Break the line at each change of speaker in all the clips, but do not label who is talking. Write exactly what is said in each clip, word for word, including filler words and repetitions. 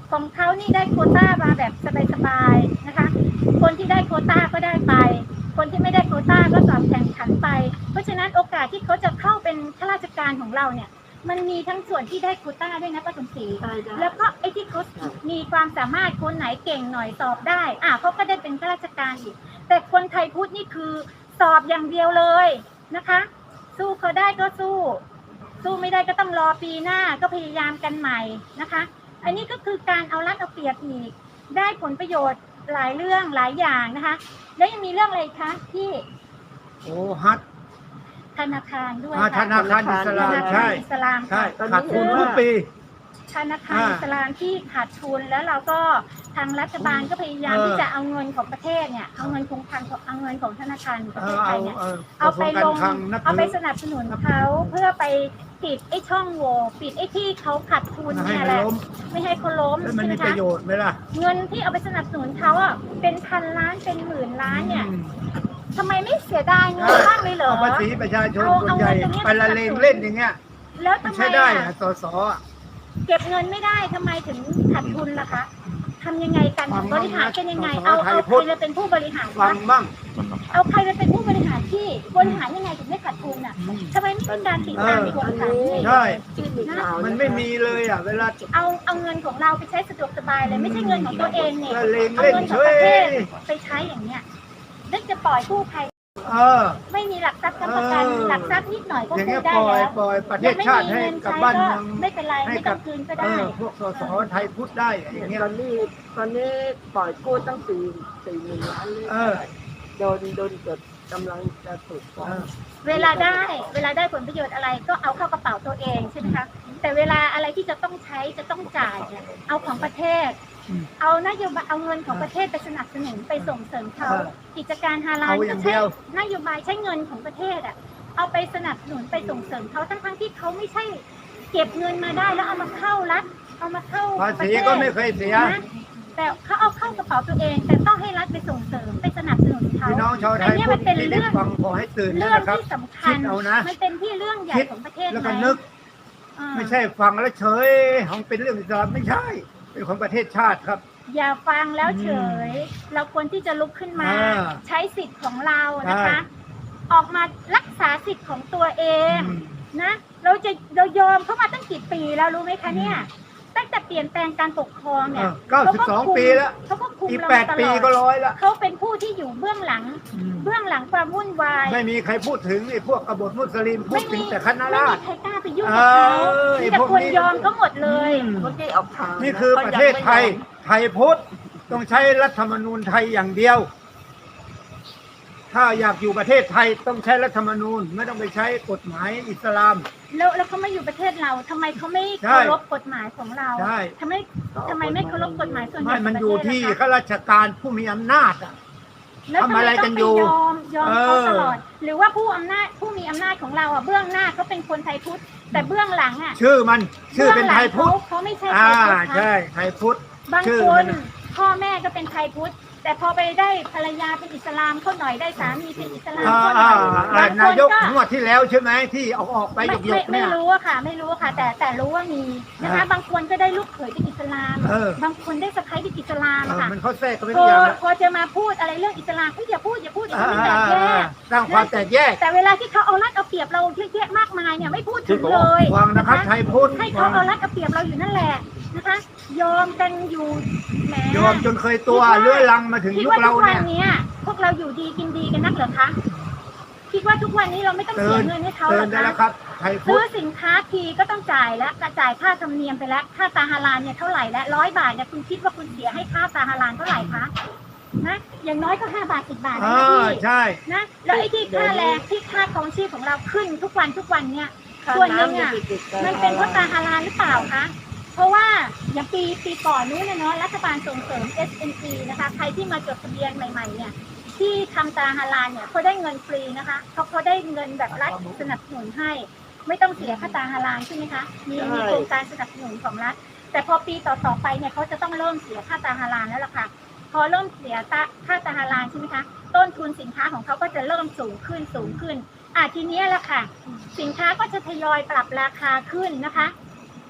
ของเขานี่ได้โควต้ามาแบบสบายๆนะคะคนที่ได้โควต้าก็ได้ไปคนที่ไม่ได้โควต้าก็สอบแข่งขันไปเพราะฉะนั้นโอกาสที่เขาจะเข้าเป็นข้าราชการของเราเนี่ยมันมีทั้งส่วนที่ได้โควต้าด้วยนะป้าสมศรีแล้วก็ไอ้ที่เขามีความสามารถคนไหนเก่งหน่อยสอบได้อ่ะเขาก็ได้เป็นข้าราชการอีกแต่คนไทยพุทธนี่คือสอบอย่างเดียวเลยนะคะสู้เขาได้ก็สู้สู้ไม่ได้ก็ต้องรอปีหน้าก็พยายามกันใหม่นะคะอันนี้ก็คือการเอารัดเอาเปรียบอีกได้ผลประโยชน์หลายเรื่องหลายอย่างนะคะแล้วยังมีเรื่องอะไรคะที่
โอ้ฮัท
ธนาคารด้วย
ธนาคารอิสลามใช่
อิสลาม
ใช่ขาดทุนทุกปี
ธนาคารอิสลามที่ขาดทุนแล้วเราก็ทางรัฐบาลก็พยายามที่จะเอาเงินของประเทศเนี่ยเอาเงินคงคลังเอาเงินของธนาคารประเทศไทยเนี่ยเอาไปลงเอาไปสนับสนุนเขาเพื่อไปปิดไอ้ช่องโหว่ปิดไอ้ที่เขาขาดทุนเนี่ยแหละไม่ให้เขาล้ม
ใช่ไหมคะประโยชน์ไหมล่ะ
เงินที่เอาไปสนับสนุนเขาอ่ะเป็นพันล้านเป็นหมื่นล้านเนี่ยทำไมไม่เสียดายเงินบ้างเลยเหรอ
ภาษีประชาชนคนใหญ่ไปละเลงเล่นอย่างเงี้ย
แล้วทำไม
ใช้ได้อะสส
เก็บเงินไม่ได้ทำไมถึงขาดทุนล่ะคะทำยังไงกันบริหารกันยังไงเอาเอาใครมาเป็นผู้บริหาร
ฟังบ้าง
เอาใครมาเป็นผู้บริหารที่บริหารยังไงถึงไม่ขาดทุนอ่ะทำไมไม่มีการติดตามกวดขัน
ใช่มันไม่มีเลยอ่ะเวลา
เอาเอาเงินของเราไปใช้สะดวกสบายเลยไม่ใช่เงินของตัวเองเนี่ย
เอา
เงินของประเทศไปใช้อย่างเนี้ยนึกจะปล่อยกู้ภัยไม่มีหลักทรัพย์ค้ำประกันหลักทรัพย์นิดหน่อยก็กู้ได้แล้ว
ปล่อยประเทศชาติให้กับบ้านเมือง
ไม่เป็นไรไม่ต้องคืนก็ได้
พวกสสไทยพุทธได้อย่างเงี้ย
ตอนนี้ตอนนี้ปล่อยกู้ตั้งสี่สี่หมื่นล้านเลยโดนโดนเกิดกำลังจะถูกฟ้อง
เวลาได้เวลาได้ผลประโยชน์อะไรก็เอาเข้ากระเป๋าตัวเองใช่ไหมคะแต่เวลาอะไรที่จะต้องใช้จะต้องจ่ายเนี่ยเอาของประเทศเอานโยบายเอาเงินของประเทศไปสนับสนุนไปส่งเสริมเขากิจการฮาลาลก็ใช้นโยบายใช้เงินของประเทศอ่ะเอาไปสนับสนุนไปส่งเสริมเขาทั้งทั้งที่เขาไม่ใช่เก็บเงินมาได้แล้วเอามาเข้ารัฐเอามาเข้า
ภาษีก็ไม่เคยเสีย
แต่เขาเอาเข้ากระเป๋าตัวเองแต่ต้องให้รัฐไปส่งเสริมไปสนับสนุนเขา
พี่น้องชาวไทย
มันเป็นเรื่อง
ฟังขอให้ตื่น
เรื่องที่สำคัญมันเป็นที่เรื่องใหญ่ของประเทศ
แล้วก็นึกไม่ใช่ฟังแล้วเฉยของเป็นเรื่องอิสลามไม่ใช่เป็นของประเทศชาติครับ
อย่าฟังแล้วเฉยเราควรที่จะลุกขึ้นมาใช้สิทธิ์ของเรานะคะออกมารักษาสิทธิ์ของตัวเองนะเราจะเรายอมเขามาตั้งกี่ปีแล้วรู้ไหมคะเนี่ยตั้งแต่เปลี่ยนแปลงการปกครองเนี่ย
เก้าสิบสองปีแล้ว
เขาก็คุมเรา
แปดปีก็ร้อยแล้ว
เขาเป็นผู้ที่อยู่เบื้องหลังเบื้องหลังความวุ่นวาย
ไม่มีใครพูดถึงไอ้พวกกบฏมุสลิมพูดถึงแต่คณะราษฎร
ไม่มีใครกล้าไปยุ่งกับเขามีแต่คนยอมเขาหมดเลย
คนที่ออกทาง
นี่คือประเทศไทยไทยพุทธต้องใช้รัฐธรรมนูญไทยอย่างเดียวถ้าอยากอยู่ประเทศไทยต้องใช้รัฐธรรมนูญไม่ต้องไปใช้กฎหมายอิสลาม
แล้วแล้วเขาไม่อยู่ประเทศเราทำไมเขาไม่เคารพกฎหมายของเราทำไมทำไมไม่เคารพกฎหมายส่วนใหญ่
ไม่มันอยู่ที่ข้าราชการผู้มีอำนาจอะทำอะไรกันอยู่
ยอมยอมเขาตลอดหรือว่าผู้อำนาจผู้มีอำนาจของเราอ่ะเบื้องหน้าเขาเป็นคนไทยพุทธแต่เบื้องหลังอ่ะ
ชื่อมันชื่อเป็นไทยพุทธ
เขาไม่ใช่
ไทยพุทธใช่ไทยพุทธ
บางคนพ่อแม่ก็เป็นไทยพุทธแต่พอไปได้ภรรยาเป็นอิสลามเขาหน่อยได้สามีเป็นอิสลามเขาหน่อย
นายกงวดที่แล้วใช่ไหมที่ออกออกไปยก
ๆไม่รู้อะค่ะไม่รู้ค่ะแต่แต่รู้ว่ามีนะคะบางคนก็ได้ลูกเขยเป็นอิสลามบางคนได้สะใภ้เป็นอิสลามค่ะ
มันเขาแทรกก็ไม่
พอ
ได้
พอจะมาพูดอะไรเรื่องอิสลามก็อย่าพูดอย่าพูดอย่าพูดแตกแยก
สร้างความแตกแยก
แต่เวลาที่เขาเอารัดเอาเปรียบเราเยอะแยะมากมายเนี่ยไม่พูดถึงเลย
ฟังนะครับไทยพุทธ
ให้เขาเอารัดเอาเปรียบเราอยู่นั่นแหละนะคะยอมกันอยู่แหม
ยอมจนเคยตัวเลื่อยลังมาถึงยุคเรา
เนี่ยพวกเราอยู่ดีกินดีกันนักเหรอคะคิดว่าทุกวันนี้เราไม่ต้องเสียเงินให้เขาหรอ
คะ
ซื้อสินค้าทีก็ต้องจ่ายแล้วกระจ่ายค่าธรรมเนียมไปแล้วค่าตาฮาลาลเนี่ยเท่าไหร่แล้วร้อยบาทเนี่ยคุณคิดว่าคุณเสียให้ค่าตาฮาลาลเท่าไหร่คะนะอย่างน้อยก็ห้าบาทสิบบาทนะพี่
ใช่
นะแล้วไอ้ที่ค่าแรงที่ค่าครองชีพของเราขึ้นทุกวันทุกวันเนี่ยส่วนหนึ่งอ่ะมันเป็นเพราะตาฮาลาลหรือเปล่าคะเพราะว่าอย่างปีปีก่อนนู้นนะเนาะรัฐบาลส่งเสริม เอส เอ็น ซี นะคะใครที่มาจดทะเบียนใหม่ๆเนี่ยที่ทำตาฮาลาลเนี่ยเขาได้เงินฟรีนะคะเขาเขาได้เงินแบบรัฐสนับสนุนให้ไม่ต้องเสียค่าตาฮาลาลใช่ไหมคะมีมีโครงการสนับสนุนของรัฐแต่พอปีต่อๆไปเนี่ยเขาจะต้องเริ่มเสียค่าตาฮาลาลแล้วล่ะค่ะพอเริ่มเสียค่าตาฮาลาลใช่ไหมคะต้นทุนสินค้าของเขาก็จะเริ่มสูงขึ้นสูงขึ้นอ่ะทีนี้แหละค่ะสินค้าก็จะทยอยปรับราคาขึ้นนะคะ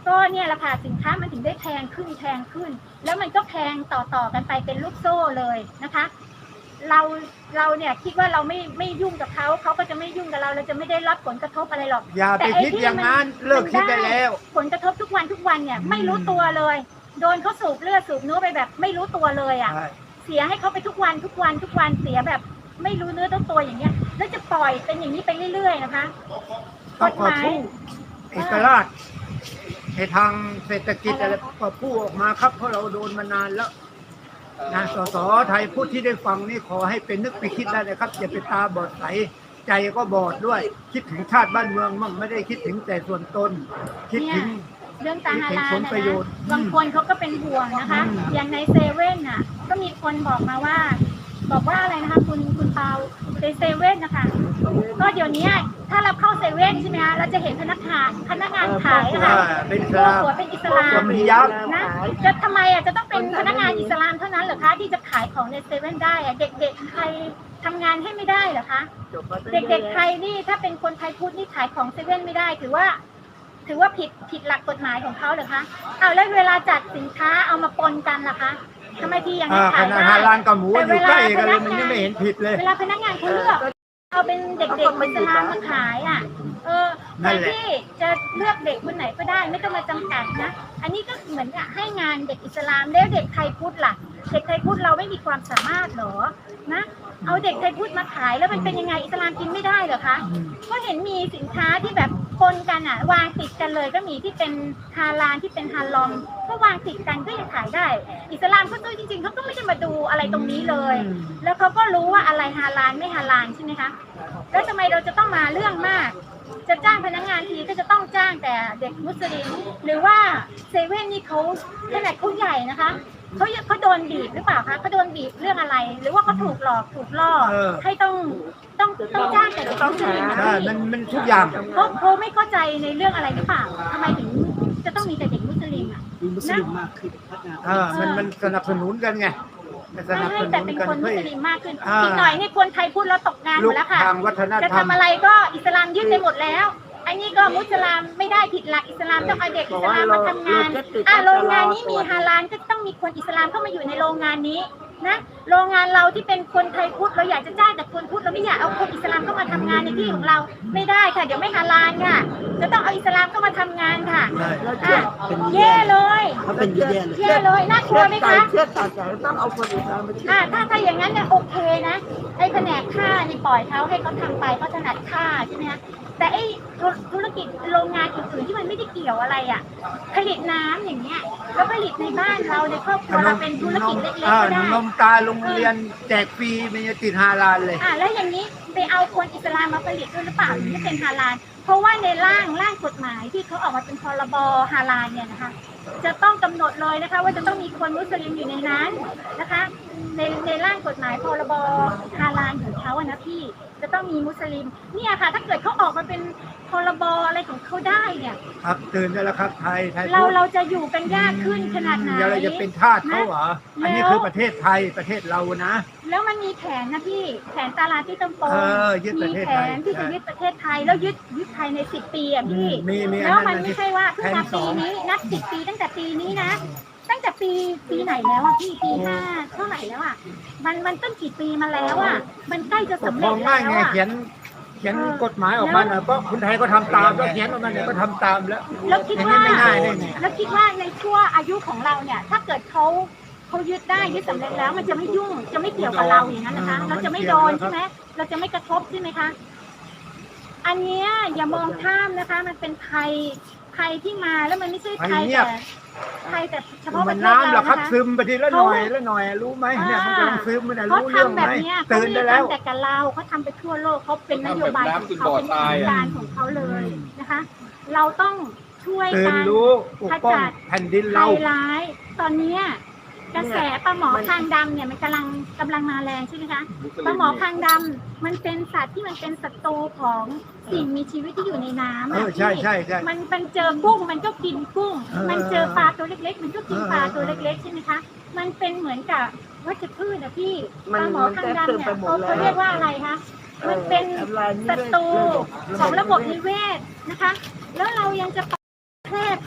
ก็เนี่ยแหละค่ะสินค้ามันถึงได้แพงขึ้นแพงขึ้น แล้วมันก็แพงต่อๆกันไปเป็นลูกโซ่เลยนะคะ เราเราเนี่ยคิดว่าเราไม่ไม่ยุ่งกับเขาเขาก็จะไม่ยุ่งกับเราเราจะไม่ได้รับผลกระทบอะไรหรอก
อย่าไปคิดอย่างนั้นเลิกคิดได้แล้ว
ผลกระทบทุกวันทุกวันเนี่ย
อืม
ไม่รู้ตัวเลย โดนเขาสูบเลือดสูบเนื้อไปแบบไม่รู้ตัวเลยอ่ะ
ใช่
เสียให้เขาไปทุกวันทุกวันทุกวันเสียแบบไม่รู้เนื้อต้องตัวอย่างเงี้ย แล้วจะปล่อยเป็นอย่างนี้ไปเรื่อยๆนะคะ
ต้องขอสู้เอกราชในทางเศรษฐกิจอะไรก็พูดออกมาครับเพราะเราโดนมานานแล้วนะสสไทยพูดที่ได้ฟังนี่ขอให้เป็นนึกไปคิดได้เลยครับอย่าไปตาบอดใสใจก็บอดด้วย คิดถึงชาติบ้านเมืองมั่งไม่ได้คิดถึงแต่ส่วนตน คิดถึง
เรื่องตาฮาลาล
ผล
นะ
ประโย
นะ
ชน์
บางคนเขาก็เป็นห่วงนะคะ
อืม
อย่างในเซเว่นน่ะ ก็มีคนบอกมาว่า บอกว่าอะไรนะคะ คุณคุณเปาในเซเว่นนะคะ ก็เดี๋ยวนี้ถ้าเราเข้าเซเว่นใช่ไหมคะเราจะเห็นพนักงานพนักงานขายอะ
ว่า
ค่ะ
เป็นอิส
ตัว
ลาม
หัวเป็นอิสลาม
สวมฮิญาบ
นะจะทำไมอ่ะจะต้องเป็นพนักงานอิสลามเท่านั้นเหรอคะที่จะขายของในเซเว่นได้อะเด็กๆใครทำงานให้ไม่ได้เหรอคะเด็กๆไทยนี่ถ้าเป็นคนไทยพุทธนี่ขายของเซเว่นไม่ได้ถือว่า ถือว่าผิดผิดหลักกฎหมายของเขาเหรอคะเอาแล้วเวลาจัดสินค้าเอามาปนกันล่ะคะทำไมที่อย่าง
อ่า
นั้น
ข
ขาย
นาด
ได้
ฮาลานกับหมูอยู่ใกล้กันเลย
แต่
มัน
เวลา
ยังไม่เห็นผิดเลย
เวลาพนักงานเขาเลือกเอาเป็นเด็กๆอิสลามมาขายอ่ะ เออ
นั่
แต่
นแหละ
ที่จะเลือกเด็กคนไหนก็ได้ไม่ต้องมาจำกัดนะ อันนี้ก็เหมือนกับให้งานเด็กอิสลามแล้วเด็กไทยพุทธล่ะ เด็กไทยพุทธเราไม่มีความสามารถเหรอ นะ เอาเด็กไทยพุทธมาขายแล้วมันเป็นยังไงอิสลามกินไม่ได้เหรอคะ ก็เห็นมีสินค้าที่แบบปนกันอ่ะ วางติดกันเลยก็มีที่เป็นฮาลาลที่เป็นฮาลอมก็วางติดกันก็ยังขายได้ อิสลามเขาด้วยจริงๆเขาก็ไม่ได้มาดูอะไรตรงนี้เลย
อืม
แล้วเขาก็รู้ว่าอะไรฮาลาลไม่ฮาลาลใช่ไหมคะ แล้วทำไมเราจะต้องมาเรื่องมาก จะจ้างพนักงานทีก็จะต้องจ้างแต่เด็กมุสลิมหรือว่าเซเว่นนี่เขาขนาดเขาใหญ่นะคะเขาเขาโดนบีบหรือเปล่าคะเขาโดนบีบเรื่องอะไร หรือว่าเขาถูกหลอกถูกล่อ
เออ
ให้ต้องต้องต้องจ้างแต่เด็กมุสลิมอะ
ใช่มันมันทุกอย่าง
เขาเขาไม่เข้าใจในเรื่องอะไรหรือเปล่าทำไมถึงจะต้องมีแต่เด็กมุสลิมอ่ะ
มีมุสลิมมากขึ้นพัฒนา
เออมันมันสนับสนุนกันไงมันส
ไม่
นับ
ให้
ส
แต่
นุน
เป็น
กัน
คนมุ
เพื่อ
สลิมมากขึ้น
อ่า
อีกหน่อยนี่คนไทยพูดแล้วตกงานหม
ลู
ด
ก
แล้วค่ะ
ทางวัฒน
จะ
ธรรม
ทำอะไรก็อิสลามยึดไปหมดแล้ว อันนี้ก็มุสลามไม่ได้ผิดหลักอิสลามต้องเอาเด็กอิสลามมาทำงานอ่ะโรงงานนี้มีฮาลาลก็ต้องมีคนอิสลามเข้ามาอยู่ในโรงงานนี้นะโรงงานเราที่เป็นคนไทยพุทธเราอยากจะจ้างแต่คนพุทธเราไม่อยากเอาคนอิสลามเข้ามาทำงานในที่ของเราไม่ได้ค่ะเดี๋ยวไม่ฮาลาลค่ะ จะต้องเอาอิสลามเข้ามาทำงานค่ะ
ใช่
อ่ะแย่เลย
เขาเป็นแย่เลย
แย่เลยน่ากลัวไหมคะ
เชื่อตัดใจต้องเอาคนอื่นมาเชื่อ
อ่าถ้าถ้าอย่างนั้นเนี่ยโอเคนะไอ้แผนกฆ่านี่ปล่อยเขาให้เขาทำไปเขาถนัดฆ่าใช่ไหมคะแต่ไอ้ธุธุรกิจโรงงานอื่นๆที่มันไม่ได้เกี่ยวอะไรอ่ะ ผลิตน้ำอย่างเงี้ยแล้วผลิตในบ้านเราในครอบครัวเราเป็นธุรกิจเล็กๆ
อ่า
ก็ได้
นมตาโรงเรียนแจกฟรีมันจะติดฮาลาลเลย
อ่าแล้วอย่างนี้ไปเอาคนอิสลามมาผลิตด้วยหรือเปล่าถึงจะเป็นฮาลาลเพราะว่าในร่างร่างกฎหมายที่เขาออกมาเป็นพรบฮาลาลเนี่ยนะคะ จะต้องกำหนดเลยนะคะ ว่าจะต้องมีคนมุสลิมอยู่ในนั้นนะคะ ในในร่างกฎหมายพรบฮาลาลของเขาอะนะพี่จะต้องมีมุสลิมเนี่ยค่ะ ถ้าเกิดเขาออกมาเป็นพรบอะไรของเขาได้เนี่ย
ครับตื่นได้แล้วครับไทยไทย
เรา
พุทธ
เราจะอยู่กันยากขึ้นขนาดไหน
เดี๋ยวเราจะเป็นทาสเขาเหรอ อันนี้
แล้ว
คือประเทศไทยประเทศเรานะ
แล้วมันมีแผนนะพี่แผนตาลาที่ตำโป
เออยึดประ
มี
เทศ
แผ
ไทย
นที่จะ
ใช่
ยึดประเทศไทยแล้วยึดยึดไทยในสิบปีอ่ะพี่
มีมีอันนั้น
แล้วมัน
อันที่
ไม่ใช่ว่าเพิ่งมา
แผนส
ปี
อง
นี้นับสิบปีตั้งแต่ปีนี้นะ ตั้งแต่ปีปีไหนแล้วอ่ะพี่ปีห้าเท่าไหร่แล้วอ่ะมันมันต้นกี่ปีมาแล้วอ่ะมันใกล้จะ
ป
สำ
กค
เร็
ร
จ
อง
แล้
ง่ายว ไง
อ่ะ
เขียนเขียนกฎหมายออกมาน่ะก็คนไทยก็ทำตามก็เขียนออกมาเนี่ยก็ทำตามแล้ว
แล้วคิด
อย่าง
ว่า
นี้ไม่ง่ายได้ไง
แล้วคิดว่าในช่วงอายุของเราเนี่ย ถ้าเกิดเขาเขายึดได้ยึดสำเร็จแล้ว มันจะไม่ยุ่งจะไม่เกี่ยวกับเราอย่างนั้นนะคะ เราจะไม่โดนใช่ไหมเราจะไม่กระทบใช่ไหมคะอันเนี้ยอย่ามองข้ามนะคะ มันเป็นภัยภัยที่มาแล้วมันไม่ใช่ภัยแต่ภัยแต่เฉพาะป
มั
ระ
น
เทศ
น้ำเหร
เรา
อครับ
นะคะ
ซึมไปทีละหน่อยละหน่อยรู้ไหมเนี่ยมันกำลังซึมมันรู้
เขา
เรื่อง
ทำ
ไห
แบ
ม
บเนี้ยเขา
ตื่น
ไม่
ได้
ได้
แล้ว
ทำแต่กับเราเขาทำไปทั่วโลกเขาเป็นนโยบายของเขาเป็นโครงการของเขาเลย
อืม
นะคะ เราต้องช่วย
ตื่น
กัน
รู้ปกป้องแผ่นดิน
ภั
เรา
ยร้ายตอนเนี้ยกระแสปลาหมอคางดำเนี่ยมันกำลังกำลังมาแรงใช่ไหมคะปลาหมอคางดำมันเป็นสัตว์ที่มันเป็นศัตรูของสิ่งมีชีวิตที่อยู่ในน้ำ
เอ
อะ
อใช่ใช่ใช่
มันมันเจอกุ้งมันก็กินกุ้ง
เออ
มันเจอปลาตัวเล็ก ๆ มันก็กิน
เออ
ปลาตัวเล็ก ๆ ใช่ไหมคะ มันเป็นเหมือนกับวัชพืชนะพี่ป
มัน
ลาหมอคางดำเนี่ย
มันแทรกซึมไปหม
เขา
ดแล้ว
เขาเรียกว่าอะไรคะมันเป็นศัตรูของระบบนิเวศนะคะ แล้วเรายังจะแพร่เผา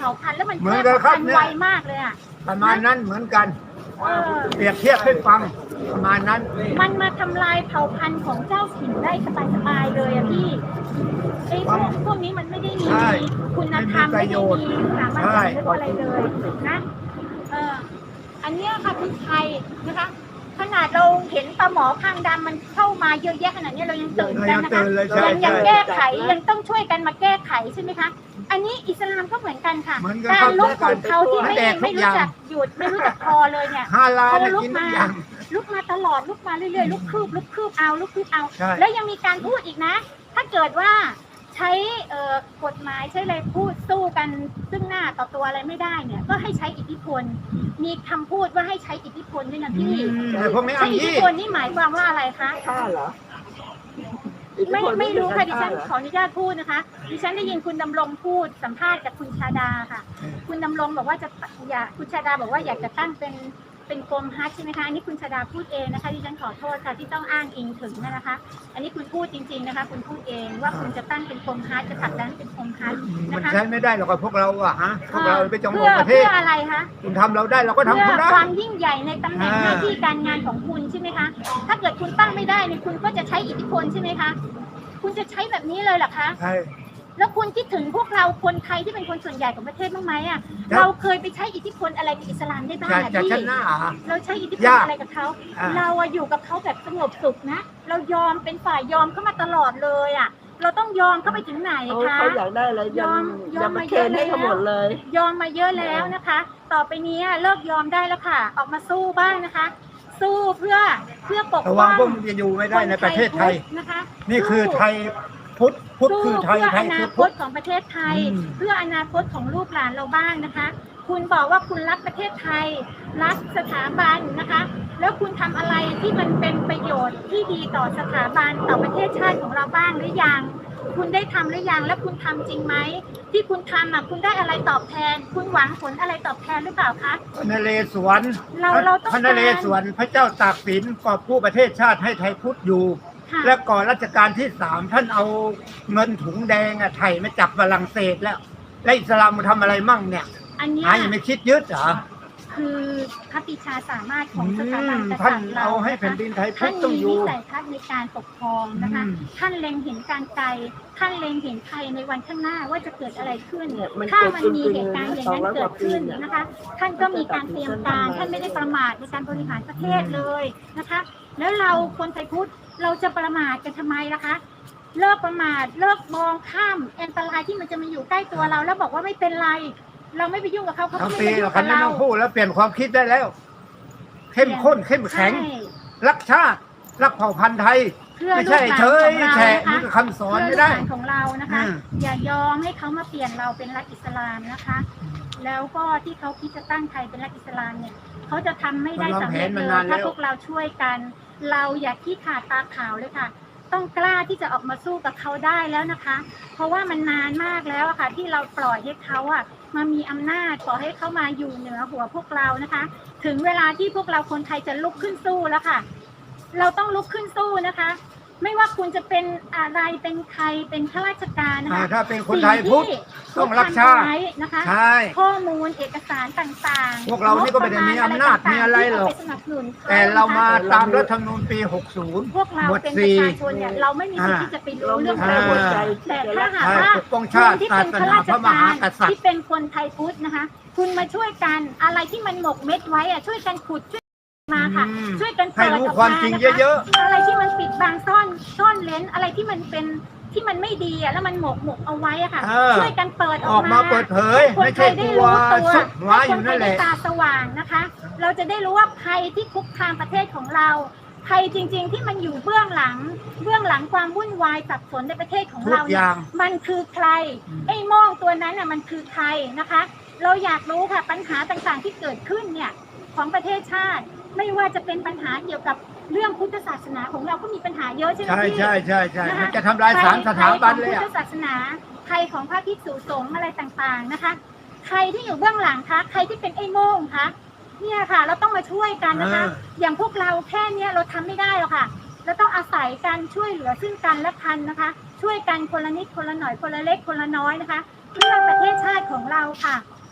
าพันธุ์แล้วมัน
เหมื
แพ
อน
ร่
กันครับ
พันธุ์
เนี่ย
ไวมากเลยอ่ะ
ประมาณนั้นเหมือนกัน
เออ
เปรียบเทียบให้ฟังประมาณนั้น
มันมาทำลายเผ่าพันธุ์ของเจ้าถิ่นได้สบายๆเลยอะพี่ไอ้พวกพวกนี้มันไม่ได้มี
ใช่
คุณธรรม
ไม่
ไม่
มีประโย
ได้
ชน์
มีสามารถ
ใช่
จะเรียกว่าอะไรเลยนะเอออันเนี้ยค่ะคือไทยนะคะ ขนาดเราเห็นปลาหมอคางดำมันเข้ามาเยอะแยะขนาดนี้เรายังตื่น
เรา
กั
ยั
น
ง
นะ
ตื่
คะ
นเลยใช่
ยังยัง
ใช่
แก้ไขยังต้องช่วยกันมาแก้ไขใช่ไหมคะ อันนี้อิสลามก็เหมือนกันค่ะ
เหมือนกัน
การลุกของเขาที่ไม่
แดกทุ
ไม่
กอ
รู้
ย่าง
จักหยุดไม่รู้จักพอเลยเนี่ย
ห้าล้าน
เขา
เนี่ย
ลุก
กินทุ
มาก
อย่าง
ลุกมาตลอดลุกมาเรื่อยๆลุกคืบลุกคืบเอาลุกคืบเอา
ใช่
แล้วยังมีการพูดอีกนะ ถ้าเกิดว่าใช้เอ่อกฎหมายใช้อะไรพูดสู้กันซึ่งหน้าต่อตัวอะไรไม่ได้เนี่ย ก็ให้ใช้อิทธิพล มีคำพูดว่าให้ใช้อิทธิพลด้วยนะ
อื
พี่
มแต่พวกนี้
ใช้
อ้าง
อิทธิ
ยี่
พลนี่หมายความว่าอะไรคะ
ฆ่าเหรอ
ไม่ไม่รู้ค่ะดิฉัน
เหรอ
ขออนุญาตพูดนะคะ ดิฉันได้ยินคุณดำรงพูดสัมภาษณ์กับคุณชาดาค่ะ คุณดำรงบอกว่าจะอยากคุณชาดาบอกว่าอยากจะตั้งเป็นเป็นกรมฮัทใช่ไหมคะอันนี้คุณชาดาพูดเองนะคะดิฉันขอโทษค่ะที่ต้องอ้างอิงถึงนะคะ อันนี้คุณพูดจริง ๆนะคะ คุณพูดเองว่าคุณจะตั้งเป็นกรมฮัทจะผลักดันเป็นกรมฮัท
มั
นะ
น
คะ
ใช้ไม่ได้หรอกกับพวกเราอะฮะพวกเราไปจอง
เพื่อ
ประเท
เพื่
ศ
ออะไรคะ
คุณทำเราได้เราก็ทำ
เพื่
คุ
อ
ณได้
ความยิ่งใหญ่ในตำแหน่ง
อ่า
หน้าที่การงานของคุณใช่ไหมคะ ถ้าเกิดคุณตั้งไม่ได้เนี่ยคุณก็จะใช้อิทธิพลใช่ไหมคะ คุณจะใช้แบบนี้เลยเหรอคะ
ใช่
แล้วคุณคิดถึงพวกเราคนไทยที่เป็นคนส่วนใหญ่ของประเทศบ้างไหมอ่ะ
ครับ
เราเคยไปใช้อิทธิพลอะไรกับอิสลามได้บ้าง
จะ
อะ
จะ
พี่
ชนะอะ
เราใช้อิทธิพล
ยาก
อะไรกับเขา
อ่า
เราอะอยู่กับเขาแบบสงบสุขนะ เรายอมเป็นฝ่ายยอมเข้ามาตลอดเลยอ่ะ เราต้องยอมเข้าไปถึงไหน
เขา
คะ
เขาอยากได้อะไร
ย
ยั
อง มยอม
ยังมา
มา
เคน
เยอะ
ให้เขา
แล้ว
หมดเลย
ยอมมาเยอะแล้วนะคะ ต่อไปนี้เลิกยอมได้แล้วค่ะ ออกมาสู้บ้างนะคะ สู้เพื่อเพื่อปก
ระ
ป้
วั
อง ง
พวกมันจะอยู่ไม่ได้ในประเทศไทย
คนพุทธนะคะ
นี่คือ
สู้
ไทยพุทธพุทธ
สู้
คือไทย
เพื่อ
ไท
อย นา
คือ
ค
พุท
ต
ธ
ของประเทศไทย
อืม
เพื่ออนาคตของลูกหลานเราบ้างนะคะ คุณบอกว่าคุณรักประเทศไทย รักสถาบันนะคะ แล้วคุณทำอะไรที่มันเป็นประโยชน์ที่ดีต่อสถาบันต่อประเทศชาติของเราบ้างหรือยัง คุณได้ทำหรือยังและคุณทำจริงไหมที่คุณทำอ่ะคุณได้อะไรตอบแทน คุณหวังผลอะไรตอบแทนหรือเปล่าคะ
พระนเรศวร
เราเราต้อง
พระนเรศวรพระเจ้าตากสินกอบกู้ประเทศชาติให้ไทยพุทธอยู่
ค่ะ
และก่อนรัชกาลที่สามท่านเอาเงินถุงแดงอะไทยมาจับฝรั่งเศสแล้ว และอิสลามมาทำอะไรมั่งเนี่ย
อันเนี้ย
หายังไม่คิดยึดเหรอ
คือพระปิชาสามารถข
อื
องสถาบัน
ม
กษั
ท่าน
ตริย์เรา
เอาให้
นะคะ
แผ่นดินไทยพุท
ท่าน
ธต้อง
มี
อยู่
วิสัยทัศน์ในการปกครองนะคะ
อืม
ท่านเล็งเห็นการไกล ท่านเล็งเห็นไทยในวันข้างหน้าว่าจะเกิดอะไรขึ้น
เนี่ยมัน
ถ้า
เกิด
มัน
ขึ้น
มีเหตุการณ์อย่างนั้น
สองร้อย
เกิ
ก
ด
ว่าปี
ขึ้น
เนี่ย
นะคะ ท่านก็มีการเตรียมการ ท่านไม่ได้ประมาทในการบริหารประเทศเลยนะคะ แล้วเราคนไทยพุทธเราจะประมาทกันทำไมล่ะคะ เลิกประมาท เลิกมองข้ามอันตรายที่มันจะมาอยู่ใกล้ตัวเรา แล้วบอกว่าไม่เป็นไร เราไม่ไปยุ่งกับเขาเขาก็
ทั้ง
ไม่
ปี
ไปยุ่
เรา
ง
คั
กัน บ
นี้
เรา
ต้องพูดแล้วเปลี่ยนความคิดได้แล้ว เข้มข้นเข้มแข็ง
ใช่
รักชาติ รักเผ่าพันธุ์ไทย
เพื่อ
ไม่
ลู
ใช่
กหลาน
เฉย
ของเรา
แฉะ
นะคะ
นี่คือคำสอน
เพื่อ
ไม่
ลูกห
ได้
ลานของเรานะคะ
อืม
อย่ายอมให้เขามาเปลี่ยนเราเป็นรัฐอิสลามนะคะ แล้วก็ที่เขาคิดจะตั้งไทยเป็นรัฐอิสลามเนี่ยเขาจะทำไม่ได้สำเร็จเลยถ้าพวกเราช่วยกัน เราอย่าขี้ขาดตาขาวเลยค่ะ ต้องกล้าที่จะออกมาสู้กับเขาได้แล้วนะคะ เพราะว่ามันนานมากแล้วอะค่ะ ที่เราปล่อยให้เขาอะมามีอำนาจปล่อยให้เขามาอยู่เหนือหัวพวกเรานะคะ ถึงเวลาที่พวกเราคนไทยจะลุกขึ้นสู้แล้วค่ะ เราต้องลุกขึ้นสู้นะคะ ไม่ว่าคุณจะเป็นอะไรเป็นใครเป็นข้าราชการนะ
อ่า
คะ
ถ้าเป็นคนไทยพุทธ
สิ่
ต้องรักชาติ
ทำเอไว้นะคะ
ใช่
ข้อมูลเอกสารต่างๆ
พวกเรานี่ก็ไม่ได้มีอำนาจมีอะไรหรอก
ที่เาไปสนับสนุนข
แต่เรามา
นะคะ
ตามรัฐธรรมนูญปี หกสิบ
พวกเรา
หมวด
เป็นป
สี่
ระชาชนเนี่ยเราไม่มีสิทธิ์ที่จะไปรู้
เรา
เรื่อง
มี
พวก
แค่
นี้
หัวใจ
แต่
ที่จะ
ถ้า
รัก
หาก
ใช่
ว่า
ปกป้องชาติ
คุณที่
ศา
เป็น
ส
ข้า
นา
รา
พ
ช
ระม
กา
หาร กษัตริ
ที่
ย์
เป็นคนไทยพุทธนะคะ คุณมาช่วยกันอะไรที่มันหมกเม็ดไว้อะช่วยกันขุดช่วยมาค่ะ
อืม
ช่วยกัน
ให้
เปิด
รู้
ออก
ความ
มา
จริง
นะคะ
เยอะ
อะไรที่มันปิดบังซ่อนซ่อนเลนอะไรที่มันเป็นที่มันไม่ดีอะแล้วมันหมกหมกเอาไว้อะค่ะ
เออ
ช่วยกันเปิด
ๆ
อ
อ
อ
อก ก
มา
มาเปิดเผย
ให้คน
ไม่
ไท
ใช่
ยได้
กลัว
รู้ตัว
ซุกหัว
ให้
อ
คน
ยู่
ไท
นั่
ย
นแห
ได้
ละ
ตาสว่างนะคะ เราจะได้รู้ว่าภัยที่คุกคามประเทศของเราภัยจริง ๆ ที่มันอยู่เบื้องหลัง เบื้องหลังความวุ่นวายสับสนในประเทศของ
ทุก
เรา
อ
เนี่ย
ย่าง
มันคือใคร
อืม
ไอ้โม่งตัวนั้นน่ะมันคือใครนะคะ เราอยากรู้ค่ะปัญหาต่างๆที่เกิดขึ้นเนี่ยของประเทศชาติ ไม่ว่าจะเป็นปัญหาเกี่ยวกับเรื่องพุทธศาสนาของเราก็มีปัญหาเยอะใช่ไหม
ใช่
พี่
ใช่ใช่ใช่
นะคะ
มันจะทำลายสารสถาบันเลย
ใครของพุทธ
อ่ะ
ศาสนาใครของพระภิกษุสงฆ์อะไรต่างๆนะคะ ใครที่อยู่เบื้องหลังคะใครที่เป็นไอ้โม่งคะเนี่ยค่ะ เราต้องมาช่วยกันนะคะ
เออ
อย่างพวกเราแค่เนี้ยเราทำไม่ได้หรอกค่ะเราต้องอาศัยการช่วยเหลือซึ่งกันและกันนะคะ ช่วยกันคนละนิดคนละหน่อยคนละเล็กคนละน้อยนะคะ เพื่อประเทศชาติของเราค่ะ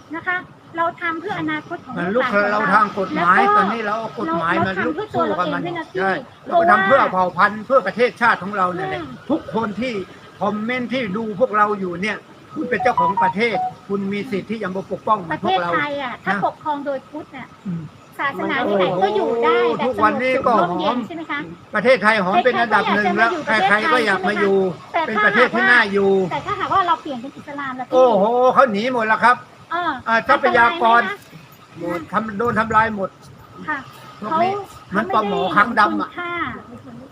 นะคะ เราทำเพื่ออนาคตของ
มัน
ลู
ลุ
ก
ก
หลานของ
เรา
เรา
ทางกฎหมาย
แล้วก็
ตอนนี้เราเอากฎหมายมา
เรา
ลุก
ทำเพื่อตัว
สู้กับมัน
เราเองด้วยนะพี่
ใช่
เพ
เรา
ราะ
ก็ทำเพื่อ
ว่า
เผ่าพันธุ์เพื่อประเทศชาติของเราเนี่ยแหละ
อืม
ทุกคนที่คอมเมนต์ที่ดูพวกเราอยู่เนี่ย คุณเป็นเจ้าของประเทศ คุณมีสิทธิ์ที่จะมาปกป้อง
ประ
พ
เท
วก
ศ
เรา
ไทยอ่ะถ้า
นะ
ปกครองโดยพุทธเนี่ย
อืม
ศาสนาที่ไหนก็อยู่ได้แบบ
ทุก
ส
วัน
งบ
นี้
สุข
ก็
ร่มเย็
หอม
นใช่ไหมคะ
ประเทศไทยหอมเป็นอันดับหนึ่งแล้วใครๆก็อยากมาอยู่
แต่
เป็น
ถ้า
ประเทศที่น่าอยู่
แต่ถ้าหากว่าเราเปลี่ยนเป็นอิสลามแล้วพี่
โอ้โหเขาหนีหมดแล้วครับ
เออ
อ่าทรัพยากร
อันตยไหม
หมดทำโดนทำลายหมด
คะค่ะ
พวก
เขา
นี้มันปลาหมอคางดำอ่ะ
เขาไม่ได้เห็นคุณค่า